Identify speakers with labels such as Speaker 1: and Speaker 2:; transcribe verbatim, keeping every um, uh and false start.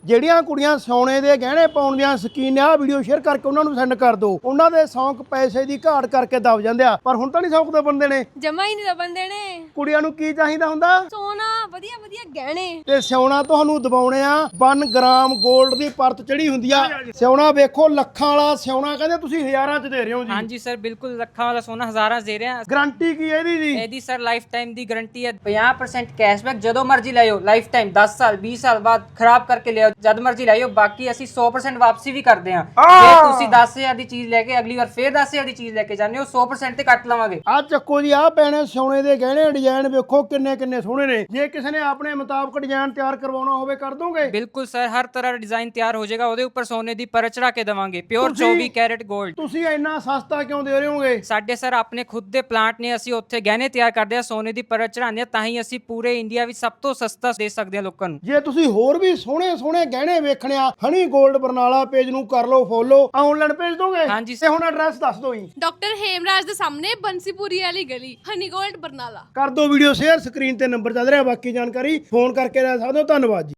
Speaker 1: ਜਿਹੜੀਆਂ ਕੁੜੀਆਂ ਸੋਨੇ ਦੇ ਗਹਿਣੇ ਪਾਉਣ ਦੀਆਂ ਸ਼ੌਕੀਨ ਆ, ਵੀਡੀਓ ਸ਼ੇਅਰ ਕਰਕੇ ਉਹਨਾਂ ਨੂੰ ਸੈਂਡ ਕਰ ਦਿਓ। ਉਹਨਾਂ ਦੇ ਸ਼ੌਂਕ ਪੈਸੇ ਦੀ ਘਾਟ ਕਰਕੇ ਦਬ ਜਾਂਦੇ ਆ, ਪਰ ਹੁਣ ਤਾਂ ਨਹੀਂ ਸ਼ੌਂਕ ਦੇ ਬੰਦੇ ਨੇ,
Speaker 2: ਜਮਾ ਹੀ ਨਹੀਂ ਦਬੰਦੇ ਨੇ।
Speaker 1: ਕੁੜੀਆਂ ਨੂੰ ਕੀ ਚਾਹੀਦਾ ਹੁੰਦਾ?
Speaker 2: ਸੋਨਾ, ਵਧੀਆ ਵਧੀਆ ਗਹਿਣੇ
Speaker 1: ਤੇ ਸਿਉਣਾ ਤੁਹਾਨੂੰ ਦਬਾਉਣੇ ਆ। ਇੱਕ ਗ੍ਰਾਮ 골ਡ ਦੀ ਪਰਤ ਚੜੀ ਹੁੰਦੀ ਆ। ਸਿਉਣਾ ਵੇਖੋ, ਲੱਖਾਂ ਵਾਲਾ ਸਿਉਣਾ ਕਹਿੰਦੇ ਤੁਸੀਂ ਹਜ਼ਾਰਾਂ ਚ ਦੇ ਰਹੇ ਹੋ ਜੀ।
Speaker 3: ਹਾਂਜੀ ਸਰ, ਬਿਲਕੁਲ ਲੱਖਾਂ ਵਾਲਾ ਸੋਨਾ ਹਜ਼ਾਰਾਂ ਦੇ ਰਹੇ ਹਾਂ।
Speaker 1: ਗਾਰੰਟੀ ਕੀ ਹੈ ਇਹਦੀ ਜੀ?
Speaker 3: ਇਹਦੀ ਸਰ ਲਾਈਫ ਟਾਈਮ ਦੀ ਗਾਰੰਟੀ ਹੈ। ਪੰਜਾਹ ਪਰਸੈਂਟ ਕੈਸ਼ਬੈਕ ਜਦੋਂ ਮਰਜ਼ੀ ਲੈ ਆਓ, ਲਾਈਫ ਟਾਈਮ ਦਸ ਸਾਲ ਵੀਹ ਸਾਲ ਬਾਅਦ ਖਰਾਬ ਕਰਕੇ ਲਿਆਓ, ਜਦ ਮਰਜ਼ੀ ਲੈ ਆਓ। ਬਾਕੀ ਅਸੀਂ ਸੌ ਪਰਸੈਂਟ ਵਾਪਸੀ ਵੀ ਕਰਦੇ ਹਾਂ। ਜੇ ਤੁਸੀਂ ਦਸ ਹਜ਼ਾਰ ਦੀ ਚੀਜ਼ ਲੈ ਕੇ ਅਗਲੀ ਵਾਰ ਫੇਰ ਦਸ ਹਜ਼ਾਰ ਦੀ ਚੀਜ਼ ਲੈ ਕੇ ਜਾਂਦੇ ਹੋ, ਸੌ ਪਰਸੈਂਟ ਤੇ ਕੱਟ ਲਵਾਂਗੇ।
Speaker 1: ਆ ਚੱਕੋ ਜੀ, ਆ ਪੈਣੇ ਸੋਨੇ ਦੇ ਗਹਿਣੇ ਡਿਜ਼ਾਈਨ ਵੇਖੋ ਕਿੰਨੇ ਕਿੰਨੇ ਸੋਹਣੇ ਨੇ। ਜੇ ਕਿਸੇ ਨੇ ਆਪਣੇ ਮੁਤਾਬਕ ਡਿਜ਼ਾਈਨ ਤਿਆਰ ਕਰਵਾਉਣਾ ਹੋਵੇ ਕਰ ਦੋਗੇ?
Speaker 3: ਬਿਲਕੁਲ ਸਰ, ਹਰ ਤਰ੍ਹਾਂ ਦਾ ਡਿਜ਼ਾਈਨ ਤਿਆਰ ਹੋ ਜਾਏਗਾ। ਉਹਦੇ ਉੱਪਰ ਸੋਨੇ ਦੀ ਪਰਤ ਚੜਾ ਕੇ ਦੇਵਾਂਗੇ, ਪਿਓਰ ਚੌਵੀ ਕੈਰਟ 골ਡ।
Speaker 1: ਤੁਸੀਂ ਇੰਨਾ ਸਸਤਾ ਕਿਉਂ ਦੇ ਰਹੇ ਹੋਗੇ?
Speaker 3: ਸਾਡੇ ਸਰ ਆਪਣੇ ਖੁਦ ਦੇ ਪਲਾਂਟ ਨੇ, ਅਸੀਂ ਉੱਥੇ ਗਹਿਣੇ ਤਿਆਰ ਕਰਦੇ ਹਾਂ, ਸੋਨੇ ਦੀ ਪਰਤ ਚੜਾਉਂਦੇ ਹਾਂ, ਤਾਂ ਹੀ ਅਸੀਂ ਪੂਰੇ ਇੰਡੀਆ ਵਿੱਚ ਸਭ ਤੋਂ ਸਸਤਾ ਦੇ ਸਕਦੇ ਹਾਂ ਲੋਕਾਂ ਨੂੰ।
Speaker 1: ਜੇ ਤੁਸੀਂ ਹੋਰ ਵੀ ਸੋਹਣੇ ਸੋਹਣੇ ਗਹਿਣੇ ਵੇਖਣੇ ਆ, ਹਨੀ 골ਡ ਬਰਨਾਲਾ ਪੇਜ ਨੂੰ ਕਰ ਲਓ ਫੋਲੋ। ਆਨਲਾਈਨ ਭੇਜ ਦੋਗੇ?
Speaker 3: ਹਾਂਜੀ।
Speaker 1: ਤੇ ਹੁਣ ਐਡਰੈਸ ਦੱਸ ਦਿਓ ਜੀ।
Speaker 2: ਡਾਕਟਰ ਹੇਮਰਾਜ ਦੇ ਸਾਹਮਣੇ ਬੰਸੀਪੁਰੀ ਵਾਲੀ ਗਲੀ, ਹਨੀ ਗੋਲਡ ਬਰਨਾਲਾ।
Speaker 1: ਕਰ ਦਿਓ ਵੀਡੀਓ ਸ਼ੇਅਰ, ਸਕਰੀਨ ਤੇ ਨੰਬਰ ਚੱਲ ਰਿਹਾ। ਬਾਕੀ ਜਾਣਕਾਰੀ ਫੋਨ ਕਰਕੇ ਲੈ ਸਕਦੇ ਹੋ। ਧੰਨਵਾਦ ਜੀ।